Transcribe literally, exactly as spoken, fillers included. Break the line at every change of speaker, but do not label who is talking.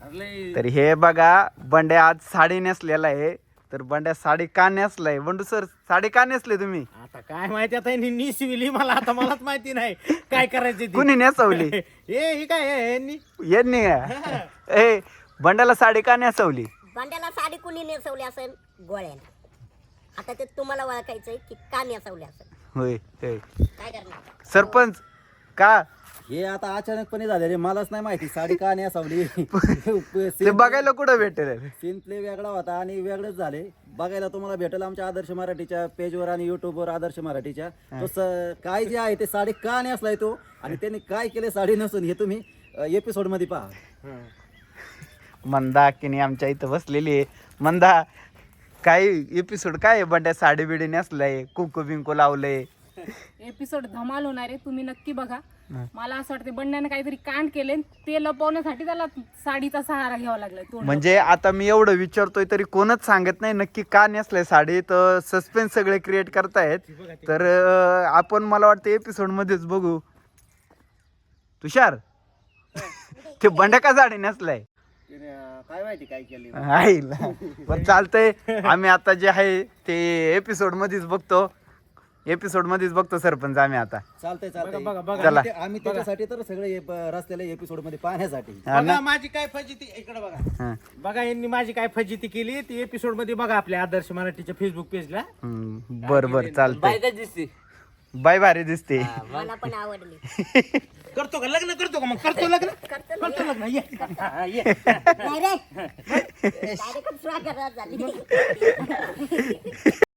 तर हे बघा बंड्या आज साडी नेसलेला आहे. तर बंड्या साडी का नेसलाय? बंडू सर साडी का नेसले तुम्ही?
आता काय माहिती आता यांनी निसविली मला आता मलाच माहिती नाही काय करायचं
कुणी नेसवली?
हे ही काय हे यांनी
यांनी का? ए बंड्याला साडी का नेसवली?
भांड्याला साडी कुणी नेसवली असेल? गोळ्याने. आता ते तुम्हाला ओळखायचंय की का नेसवली असेल.
होय होय.
काय करणार?
सरपंच का
हे आता अचानकपणे झाले मलाच नाही माहिती साडी का नेसावली.
ते बघायला कुठं भेटेल?
सीन प्ले वेगळा होता आणि वेगळेच झाले. बघायला तुम्हाला भेटेल आमच्या आदर्श मराठीच्या पेजवर आणि युट्यूबवर आदर्श मराठीच्या. तो स- काय जे आहे ते साडी का नेसलाय तो आणि त्यांनी काय केले साडी नसून हे तुम्ही एपिसोड मध्ये पहा.
मंदा की आमच्या इथं बसलेली आहे. मंदा काय एपिसोड काय आहे? बंड्या साडी बिडी नेसलाय, कुंकू बिंकू लावलंय.
एपिसोड धमाल होणार आहे, तुम्ही नक्की बघा. मला असं वाटतं बंड्याने काहीतरी कांड केले ते लपवण्यासाठी त्याला साडीचा सहारा घ्यावा लागलाय. तोंड
म्हणजे आता मी एवढं विचारतोय तरी कोणच सांगत नाही नक्की का नेसलंय साडी. तर सस्पेन्स सगळे क्रिएट करतायत. तर अं, आपण मला वाटतं एपिसोड मध्येच बघू. तुषार ते बंड्या का साडी नेसलाय?
काय माहिती काय केले.
आईला पण चालतंय. आम्ही आता जे आहे ते एपिसोड मध्येच बघतो. एपिसोड मध्येच बघतो सरपंच आम्ही आता.
चालतंय चालतंय
बघा, बघा.
चला.
आम्ही ते- आम्ही त्याच्यासाठी तर सगळे हे ब- रस्त्याला एपिसोड मध्ये पाहण्यासाठी.
हा ना?
बघा माझी काय फजिती इकडे बघा.
हा.
बघा यांनी माझी काय फजिती केली ती एपिसोड मध्ये बघा आपल्या आदर्श मराठीच्या फेसबुक पेजला.
हम्म, बर बर चालतंय. बाय भारी दिसते.
मला पण आवडली.
करतो का लग्न करतो का मग करतो लग्न
करतो
करतो लग्न ये हा, ये
नाही रे. डायरेक्ट स्वागत झाली.